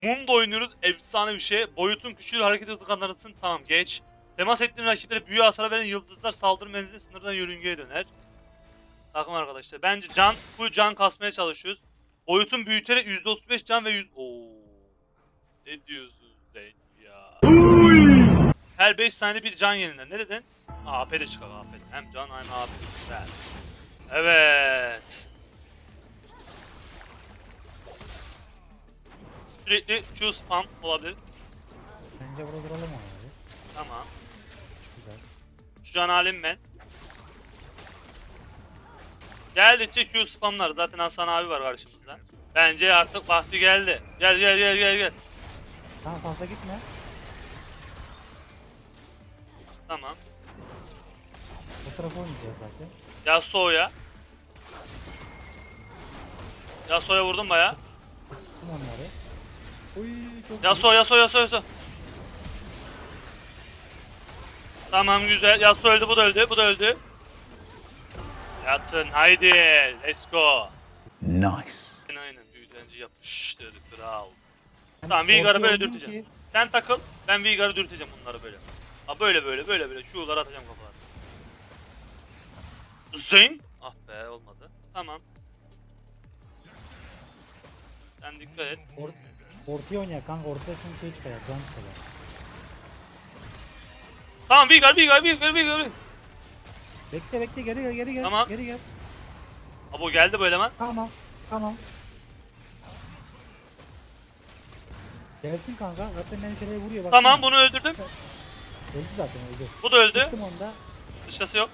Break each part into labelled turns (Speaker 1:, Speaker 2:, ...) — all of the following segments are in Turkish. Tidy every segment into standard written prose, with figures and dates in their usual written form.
Speaker 1: Mundo oynuyoruz. Efsane bir şey. Boyutun küçülür, hareket hızı kazanırsın. Tamam geç. Temas ettiğin rakiplere büyü hasarı veren yıldızlar saldırı menzili sınırdan yörüngeye döner. Takım arkadaşlar. Bence full can kasmaya çalışıyoruz. Boyutun büyüterek %35 can ve 100... Oo. Ne diyorsun sen ya? Her 5 saniyede bir can yeniler. Ne dedin? AP de çıkar AP. Hem can hem AP. Güzel. Evet. Sürekli Q spam olabilir.
Speaker 2: Bence burada duralım abi.
Speaker 1: Tamam.
Speaker 2: Güzel.
Speaker 1: Şu can halim ben. Geldikçe Q spamlar. Zaten Hasan abi var karşımızda. Bence artık vakti geldi. Gel gel gel gel gel.
Speaker 2: Tamam fazla gitme.
Speaker 1: Tamam.
Speaker 2: Bu tarafa oynayacağız zaten.
Speaker 1: Yasuo'ya. Yasuo'ya vurdum baya.
Speaker 2: Tuttum onları. Uy çok
Speaker 1: Yasuo Yasuo Yasuo Yasuo. Tamam güzel. Yasuo öldü, bu da öldü, bu da öldü. Yatın haydi. Let's go.
Speaker 3: Nice.
Speaker 1: Aynen büyütenci yapıştırdı kral.
Speaker 2: Ben
Speaker 1: Tamam Veigar'ı
Speaker 2: ortaya
Speaker 1: böyle
Speaker 2: oynayayım
Speaker 1: dürteceğim.
Speaker 2: ki-
Speaker 1: Sen takıl, ben Veigar'ı dürteceğim bunları böyle. Ha böyle böyle böyle böyle şuları atacağım kafalarına. Zing. Ah be olmadı. Tamam. Sen dikkat et.
Speaker 2: Ortaya oynayak kanka, ortaya şunu şey çıkar, can çıkar.
Speaker 1: Tamam Veigar.
Speaker 2: Bekle bekle, geri gel geri gel.
Speaker 1: Tamam.
Speaker 2: Geri gel.
Speaker 1: Abo geldi bu eleman.
Speaker 2: Tamam. Tamam. Gelsin kanka. Zaten benim şeyleri vuruyor bak.
Speaker 1: Tamam bunu öldürdüm.
Speaker 2: Öldü zaten, öldü.
Speaker 1: Bu da öldü.
Speaker 2: Tuttum onu da.
Speaker 1: Dışası yok.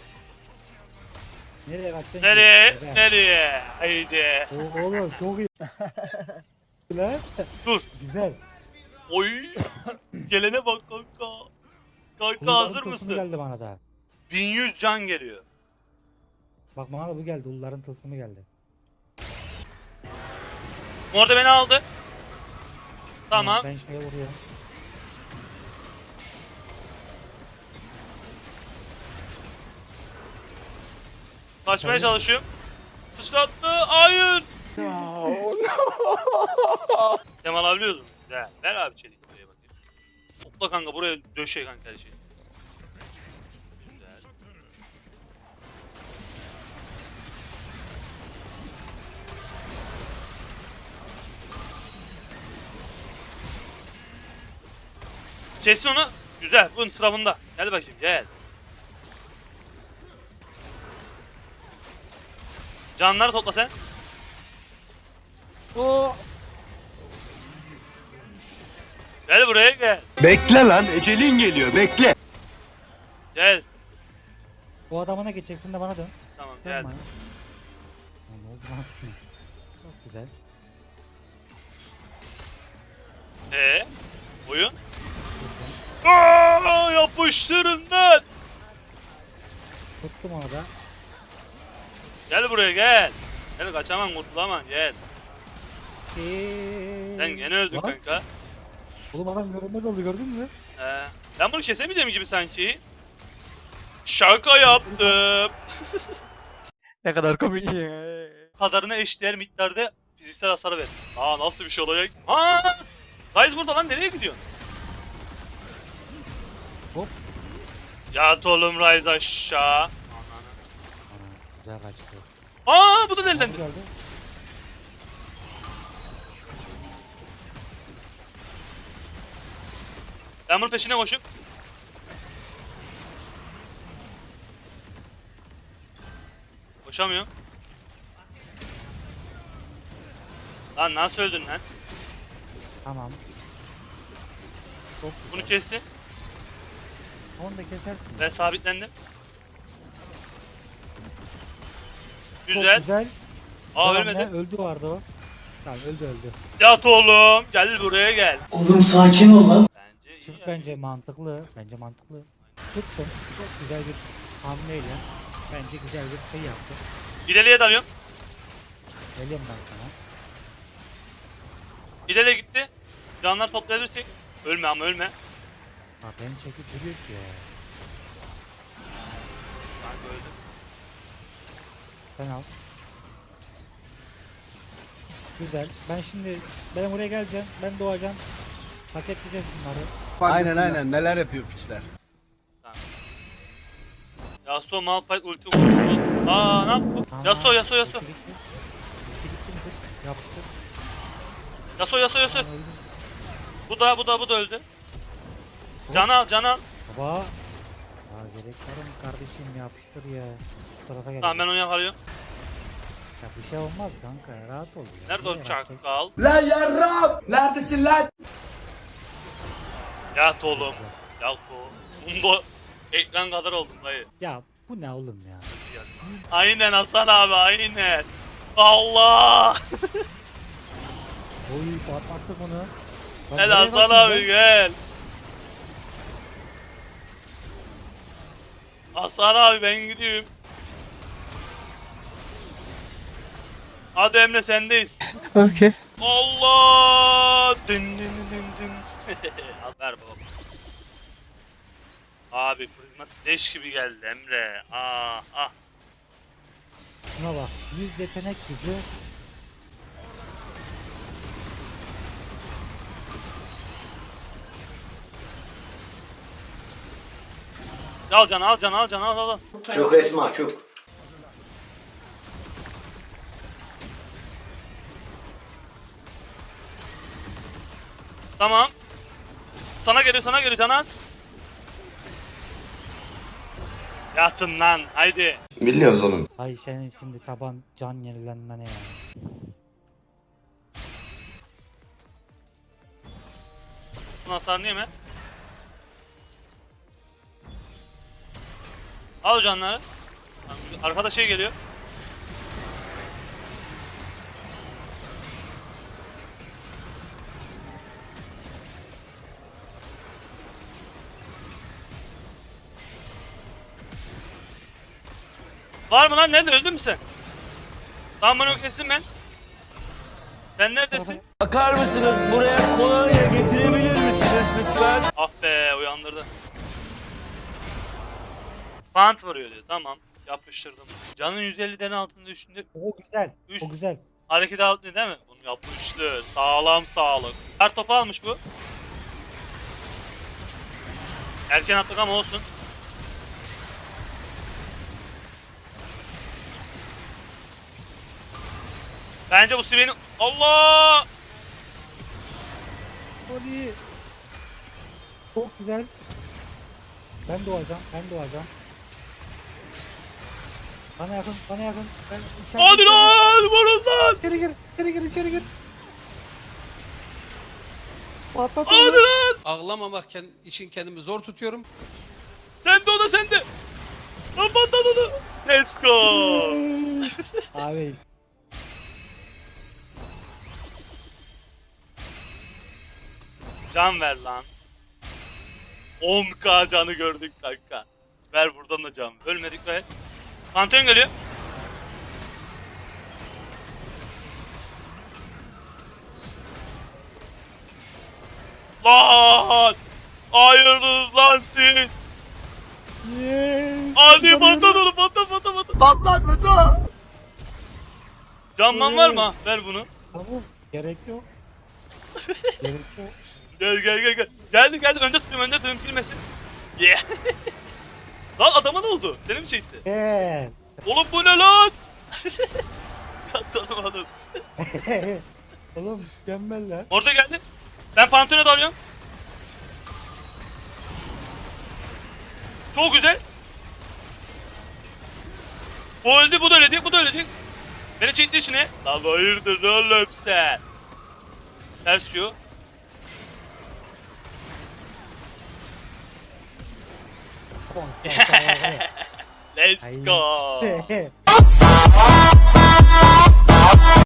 Speaker 2: Nereye kaçacaksın?
Speaker 1: Nereye?
Speaker 2: ki?
Speaker 1: Nereye? Haydi.
Speaker 2: Oğlum çok iyi. Lan.
Speaker 1: Dur.
Speaker 2: Güzel.
Speaker 1: Oy. Gelene bak kanka. Kanka
Speaker 2: Kulların
Speaker 1: hazır
Speaker 2: tılsımı
Speaker 1: mısın?
Speaker 2: geldi bana da.
Speaker 1: 1100 can geliyor.
Speaker 2: Bak bana da bu geldi. Ulların tılsımı geldi.
Speaker 1: Orada beni aldı. Tamam.
Speaker 2: Ben şeye vuruyorum.
Speaker 1: Kaçmaya çalışıyorum. Sıçrattı. Hayır. Kemal alabiliyorsun. Güzel. Ver abi çelik buraya bakayım. Topla kanka buraya döşe kanka her şeyi. Güzel. Kesin onu. Güzel. Bunun sırabında. Gel bakayım gel. Canları topla sen.
Speaker 2: Oo.
Speaker 1: Gel buraya gel.
Speaker 3: Bekle lan, ecelin geliyor, bekle.
Speaker 1: Gel.
Speaker 2: O adamına geçeceksin de bana dön.
Speaker 1: Tamam
Speaker 2: Dön
Speaker 1: gel.
Speaker 2: bana. Lan ne oldu lan sana? Çok güzel.
Speaker 1: Oyun. Aa, yapıştırın lan.
Speaker 2: Tuttum onu da.
Speaker 1: Gel buraya gel. Gel kaçamam kurtulamam gel. Sen gene öldün
Speaker 2: Lan,
Speaker 1: kanka.
Speaker 2: oğlum adam görünmez oldu, gördün mü?
Speaker 1: Ben bunu kesemeyeceğim gibi sanki. Şaka yaptım.
Speaker 4: Ne kadar komik ya.
Speaker 1: Kadarına eşdeğer miktarda fiziksel hasar ver. Aa nasıl bir şey olacak? Ha! Guys burada lan nereye gidiyorsun?
Speaker 2: Hop.
Speaker 1: Yat oğlum Rise aşağı. Ananı.
Speaker 2: Ana, güzel kaçtı.
Speaker 1: Aa bu da
Speaker 2: Tam
Speaker 1: delilendi.
Speaker 2: geldi.
Speaker 1: Ben bunun peşine koşup. Koşamıyorum. Lan nasıl öldün lan?
Speaker 2: Tamam. Çok güzel.
Speaker 1: Bunu kessin.
Speaker 2: Onu da kesersin.
Speaker 1: Ben sabitlendim.
Speaker 2: Çok
Speaker 1: Güzel.
Speaker 2: güzel.
Speaker 1: Aa
Speaker 2: Güzel
Speaker 1: ölmedi.
Speaker 2: hamle, öldü vardı o. Tamam, öldü.
Speaker 1: Yat oğlum. Gel buraya gel.
Speaker 3: Oğlum sakin ol lan.
Speaker 1: Bence iyi
Speaker 2: Çık,
Speaker 1: yani.
Speaker 2: bence mantıklı. Tuttum. Çok güzel bir hamleyle. Bence güzel bir şey yaptı.
Speaker 1: İleriye dalıyorum.
Speaker 2: Geliyorum ben sana.
Speaker 1: İleriye gitti. Canlar toplayabilirsek. Ölme ama ölme.
Speaker 2: Bak beni çekip duruyor ki ya.
Speaker 1: Kanka öldü.
Speaker 2: Sen al. Güzel. Ben oraya geleceğim. Ben doğacağım. Paketleyeceğiz bunları.
Speaker 3: Aynen neler yapıyor pisler.
Speaker 1: Yasuo Malphite ulti vurdu. Aa ne yaptı? Yasuo.
Speaker 2: Gitti midir? Yapıştır.
Speaker 1: Yasuo.
Speaker 2: Öldü.
Speaker 1: Bu da öldü. Can al.
Speaker 2: Baba. Ya gerek var mı kardeşim, yapıştır ya. Bu tarafa gel.
Speaker 1: Tamam ben onu yakalıyorum.
Speaker 2: Ya bir şey olmaz kanka ya, rahat ol ya.
Speaker 1: Nerede o
Speaker 2: Niye rahat ol?
Speaker 1: çakal?
Speaker 3: Lan yarrab! Neredesin lan?
Speaker 1: Yat oğlum. Yasuo. Bunda ekran kadar oldum dayı.
Speaker 2: Ya bu ne oğlum ya?
Speaker 1: Aynen Hasan abi aynen. Allah.
Speaker 2: Oy patlattık bunu. Bak,
Speaker 1: Gel
Speaker 2: nereye
Speaker 1: Hasan
Speaker 2: kaçtın
Speaker 1: abi
Speaker 2: sen?
Speaker 1: gel. Hasan abi ben gidiyorum. Hadi Emre sendeyiz.
Speaker 4: Okay.
Speaker 1: Allah! Dın. Al ver baba. Abi prizmatik leş gibi geldi Emre. Ah.
Speaker 2: Şuna bak. 100 yetenek gücü.
Speaker 1: Al can al.
Speaker 3: Çok Esma çok.
Speaker 1: Tamam. Sana geliyor Canaz. Yatın lan haydi.
Speaker 3: Biliyoruz oğlum.
Speaker 2: Ay senin şimdi taban can yenilenme ne ya?
Speaker 1: Bunun hasarını yeme. Al o canları. Arkada şey geliyor. Var mı lan? Nerede? Öldün mü sen? Tamam bunu kestim ben. Sen neredesin?
Speaker 3: Bakar mısınız buraya kolonya getirebilir misiniz lütfen?
Speaker 1: Ah be uyandırdı. Pant vuruyor diyor. Tamam. Yapıştırdım. Canın 150'den altında üstünde
Speaker 2: O güzel.
Speaker 1: Üst.
Speaker 2: O güzel.
Speaker 1: hareket altında değil mi? Bunu yapıştı. Sağlam sağlık. Her topu almış bu. Erken attık ama olsun. Bence bu Sven'in... Allah!
Speaker 2: Hadi. Çok güzel. Ben doğacağım. Bana yakın. Ben içeride-
Speaker 1: Hadi lan! Vurun lan!
Speaker 2: İçeri gir. Patlat
Speaker 1: Hadi
Speaker 2: onu.
Speaker 1: lan!
Speaker 5: Ağlamamak için kendimi zor tutuyorum.
Speaker 1: Sende o da sende! Lan patlat onu! Let's go!
Speaker 2: Abi.
Speaker 1: Can ver lan. 10k canı gördük kanka. Ver buradan da can. Ölmedik be. Pantheon geliyor. Lan! Hayırdır lan siz?
Speaker 2: Yes.
Speaker 1: Hadi patlat onu patlat.
Speaker 3: Patlat Beto!
Speaker 1: Canman var mı? Ver bunu.
Speaker 2: Tamam. Gerek yok.
Speaker 1: Gel. Geldi. Önde tutuyorum girmesin. Yeah. Lan adama ne oldu? Seni mi çekti?
Speaker 2: Gel.
Speaker 1: Oğlum bu ne lan? Ya tanımadım.
Speaker 2: Oğlum mükemmel lan.
Speaker 1: Orada geldi. Ben Pantheon'a dalıyorum. Çok güzel. Bu öldü, bu da ölecek. Beni çekti içine. Lan hayırdır oğlum sen? Ters şu. Let's go.